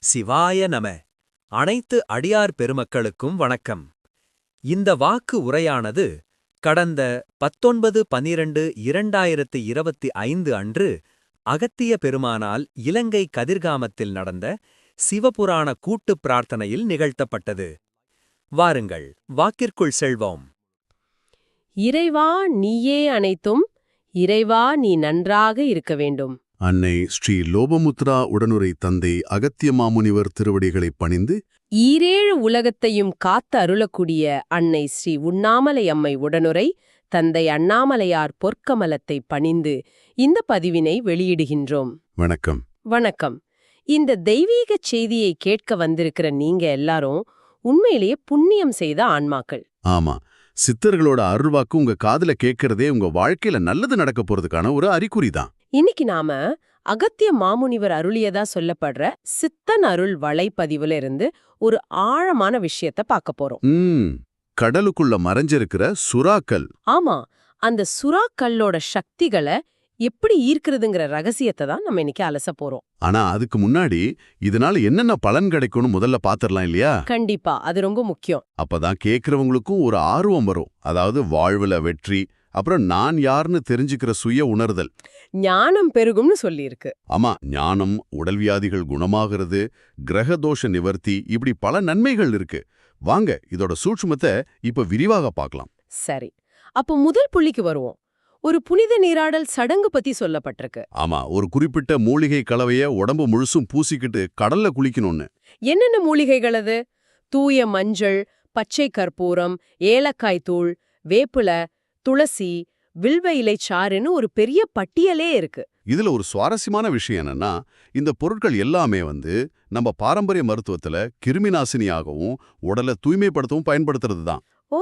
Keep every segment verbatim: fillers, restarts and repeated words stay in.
சிவாய நம. அனைத்து அடியார் பெருமக்களுக்கும் வணக்கம். இந்த வாக்கு உரையானது கடந்த பத்தொன்பது பன்னிரண்டு இரண்டாயிரத்து இருபத்தி ஐந்து அன்று அகத்திய பெருமானால் இலங்கை கதிர்காமத்தில் நடந்த சிவபுராண கூட்டுப் பிரார்த்தனையில் நிகழ்த்தப்பட்டது. வாருங்கள், வாக்கிற்குள் செல்வோம். இறைவா நீயே அனைத்தும், இறைவா நீ நன்றாக இருக்க வேண்டும். அன்னை ஸ்ரீ லோபமுத்ரா உடனுரை தந்தை அகத்திய மாமுனிவர் திருவடிகளைப் பணிந்து, ஈரேழு உலகத்தையும் காத்து அருளக்கூடிய அன்னை ஸ்ரீ உண்ணாமலை அம்மை உடனுரை தந்தை அண்ணாமலையார் பொற்கமலத்தை பணிந்து இந்த பதிவினை வெளியிடுகின்றோம். வணக்கம். வணக்கம். இந்த தெய்வீகச் செய்தியை கேட்க வந்திருக்கிற நீங்க எல்லாரும் உண்மையிலேயே புண்ணியம் செய்த ஆன்மாக்கள். ஆமா, சித்தர்களோட அருள்வாக்கு உங்க காதுல கேட்கறதே உங்க வாழ்க்கையில நல்லது நடக்க போறதுக்கான ஒரு அறிகுறிதான். இன்னைக்கு நாம அகத்திய மாமுனிவர் அருளியதா சொல்லப்படுற சித்தன் அருள் வலைப்பதிவுல இருந்து ஒரு ஆழமான விஷயத்த பார்க்க போறோம். ம் கடலுக்குள்ள மறைஞ்சிருக்கிற சுறாக்கள். ஆமா, அந்த சுறாக்கல்லோட சக்திகளை எப்படி ஈர்க்கிறதுங்கிற ரகசியத்தை தான் நம்ம இன்னைக்கு அலச போறோம். ஆனா அதுக்கு முன்னாடி இதனால என்னென்ன பலன் கிடைக்கும்னு முதல்ல பாத்திரலாம் இல்லையா? கண்டிப்பா, அது ரொம்ப முக்கியம். அப்பதான் கேட்கறவங்களுக்கும் ஒரு ஆர்வம் வரும். அதாவது வாழ்வுல வெற்றி, அப்புறம் நான் யாருன்னு தெரிஞ்சுக்கிற சுய உணர்தல், ஞானம் பெருகும்னு சொல்லியிருக்கு. ஆமா, ஞானம், உடல் வியாதிகள் குணமாகிறது, கிரகதோஷ நிவர்த்தி, இப்படி பல நன்மைகள் இருக்கு. வாங்க இதோட சூட்சுமத்தை இப்ப விரிவாக பார்க்கலாம். சரி, அப்போ முதல் புள்ளிக்கு வருவோம். ஒரு புனித நீராடல் சடங்கு பத்தி சொல்லப்பட்டிருக்கு. ஆமா, ஒரு குறிப்பிட்ட மூலிகை கலவைய உடம்பு முழுசும் பூசிக்கிட்டு கடல்ல குளிக்கணும்னு. என்னென்ன மூலிகைகள் அது? தூய மஞ்சள், பச்சை கற்பூரம், ஏலக்காய் தூள், வேப்பில, துளசி, வில்வ இலை சாறுன்னு ஒரு பெரிய பட்டியலே இருக்கு. இதுல ஒரு சுவாரஸ்யமான விஷயம் என்னன்னா, இந்த பொருட்கள் எல்லாமே வந்து நம்ம பாரம்பரிய மருத்துவத்துல கிருமிநாசினியாகவும் உடலை தூய்மைப்படுத்தவும் பயன்படுத்துறது தான். ஓ,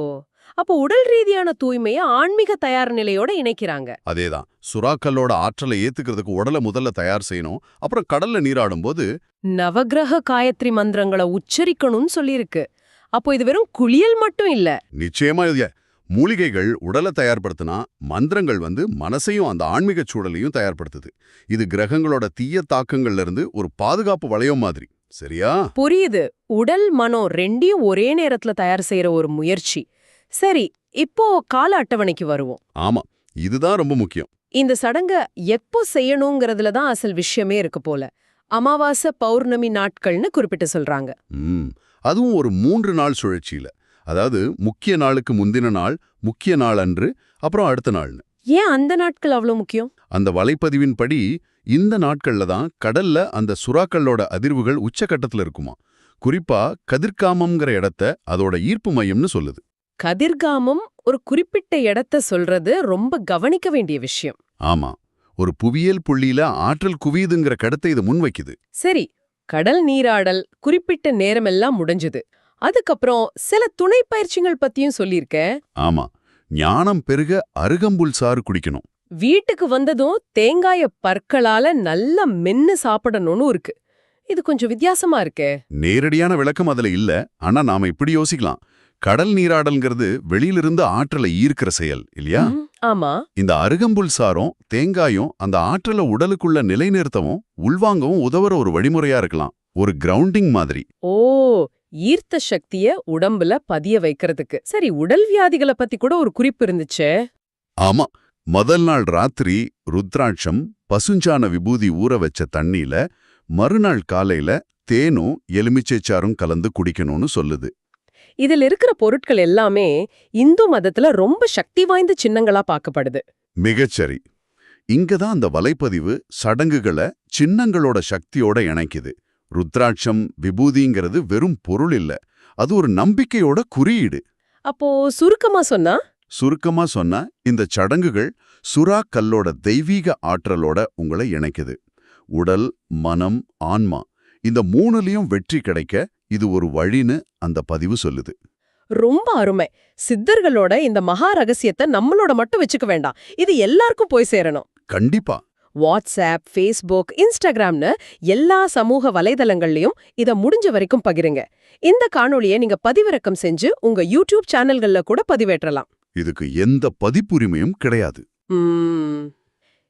அப்போ உடல் ரீதியான தூய்மையை ஆன்மீக தயார் நிலையோட இணைக்கிறாங்க. அதேதான், சுறாக்களோட ஆற்றலை ஏத்துக்கிறதுக்கு உடலை முதல்ல தயார் செய்யணும். அப்புறம் கடல்ல நீராடும் போது நவக்கிரக காயத்ரி மந்திரங்களை உச்சரிக்கணும்னு சொல்லியிருக்கு. அப்போ இது வெறும் குளியல் மட்டும் இல்ல. நிச்சயமா இது மூலிகைகள் உடலை தயார்படுத்தினா, மந்திரங்கள் வந்து மனசையும் அந்த ஆன்மீக சூழலையும் தயார்படுத்துது. இது கிரகங்களோட தீய தாக்கங்கள்ல இருந்து ஒரு பாதுகாப்பு வளையம் மாதிரி. சரியா? புரியுது. உடல் மனம் ரெண்டையும் ஒரே நேரத்துல தயார் செய்யற ஒரு முயற்சி. சரி, இப்போ கால அட்டவணைக்கு வருவோம். ஆமா, இதுதான் ரொம்ப முக்கியம். இந்த சடங்க எப்போ செய்யணுங்கிறதுல தான் அசல் விஷயமே இருக்கு போல. அமாவாசை, பௌர்ணமி நாட்கள்னு குறிப்பிட்டு சொல்றாங்க. ம் அதுவும் ஒரு மூன்று நாள் சுழற்சியில. அதாவது முக்கிய நாளுக்கு முந்தின நாள், முக்கிய நாள் அன்று, அப்புறம் அடுத்த நாள்னு. ஏன் அந்த நாட்கள் அவ்வளவு முக்கியம்? அந்த வலைப்பதிவின்படி இந்த நாட்கள்ல தான் கடல்ல அந்த சுறாக்களோட அதிர்வுகள் உச்சகட்டத்துல இருக்குமா. குறிப்பா கதிர்காமம்ங்கிற இடத்த அதோட ஈர்ப்பு மையம்னு சொல்லுது. கதிர்காமம் ஒரு குறிப்பிட்ட இடத்த சொல்றது ரொம்ப கவனிக்க வேண்டிய விஷயம். ஆமா, ஒரு புவியியல் புள்ளியில ஆற்றல் குவியுதுங்கிற கருத்தை இது முன்வைக்குது. சரி, கடல் நீராடல் குறிப்பிட்ட நேரமெல்லாம் முடிஞ்சது. அதுக்கப்புறம் சில துணை பயிற்சிகள் பத்தியும் சொல்லியிருக்க. ஆமா, ஞானம் பெருக அருகம்புல் சாறு குடிக்கணும். வீட்டுக்கு வந்ததும் தேங்காய பற்களால நல்லா மென்னு சாப்பிடணும்னு இருக்கு. இது கொஞ்சம் வித்தியாசமா இருக்கே. நேரடியான விளக்கம் அதுல இல்ல. ஆனா நாம இப்படி யோசிக்கலாம். கடல் நீராடல்ங்கிறது வெளியிலிருந்து ஆற்றலை ஈர்க்கிற செயல் இல்லையா? ஆமா. இந்த அருகம்புல் சாரும் தேங்காயும் அந்த ஆற்றலை உடலுக்குள்ள நிலைநிறுத்தவும் உள்வாங்கவும் உதவுற ஒரு வழிமுறையா இருக்கலாம். ஒரு கிரவுண்டிங் மாதிரி. ஓ, ஈர்த்த சக்திய உடம்புல பதிய வைக்கிறதுக்கு. சரி, உடல் வியாதிகளை பத்தி கூட ஒரு குறிப்பு இருந்துச்சே. ஆமா, முதல் நாள் ராத்திரி ருத்ராட்சம், பசுஞ்சான விபூதி ஊற வச்ச தண்ணியில மறுநாள் காலையில தேனும் எலுமிச்சைச்சாரும் கலந்து குடிக்கணும்னு சொல்லுது. இதில் இருக்கிற பொருட்கள் எல்லாமே இந்து மதத்துல ரொம்ப சக்தி வாய்ந்த சின்னங்களா பார்க்கப்படுது. மிகச்சரி. இங்கதான் அந்த வலைப்பதிவு சடங்குகளை சின்னங்களோட சக்தியோட இணைக்குது. ருத்ராட்சம், விபூதிங்கிறது வெறும் பொருள் இல்ல, அது ஒரு நம்பிக்கையோட குறியீடு. அப்போ சுருக்கமா சொன்னா சுருக்கமா சொன்னா இந்த சடங்குகள் சுறா கல்லோட தெய்வீக ஆற்றலோட உங்களை இணைக்குது. உடல், மனம், ஆன்மா, இந்த மூணுலயும் வெற்றி கிடைக்க இது ஒரு வழின்னு அந்த பதிவு சொல்லுது. ரொம்ப அருமை. சித்தர்களோட இந்த மகா ரகசியத்தை நம்மளோட மட்டும் வச்சுக்க வேண்டாம், இது எல்லாருக்கும் போய் சேரணும். கண்டிப்பா. வாட்ஸ்அப், ஃபேஸ்புக், இன்ஸ்டாகிராம்னு எல்லா சமூக வலைதளங்கள்லயும் இத முடிஞ்ச வரைக்கும் பகிருங்க. இந்த காணொளியை நீங்க பதிவிறக்கம் செஞ்சு உங்க யூடியூப் சேனல்கள்ல கூட பதிவேற்றலாம். இதுக்கு எந்த பதிப்புரிமையும் கிடையாது.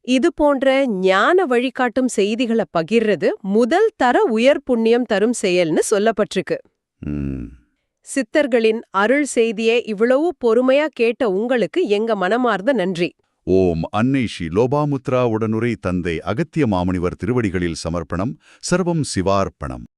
இது போன்ற ஞான வழிகாட்டும் செய்திகளை பகிர்றது முதல் தர உயர் புண்ணியம் தரும் செயல்னு சொல்லப்பட்டிருக்கு. ம். சித்தர்களின் அருள் செய்தியை இவ்வளவு பொறுமையா கேட்ட உங்களுக்கு எங்க மனமார்ந்த நன்றி. ஓம் அன்னை ஸ்ரீ லோபாமுத்ரா உடனுரை தந்தை அகத்திய மாமுனிவர் திருவடிகளில் சமர்ப்பணம். சர்வம் சிவார்ப்பணம்.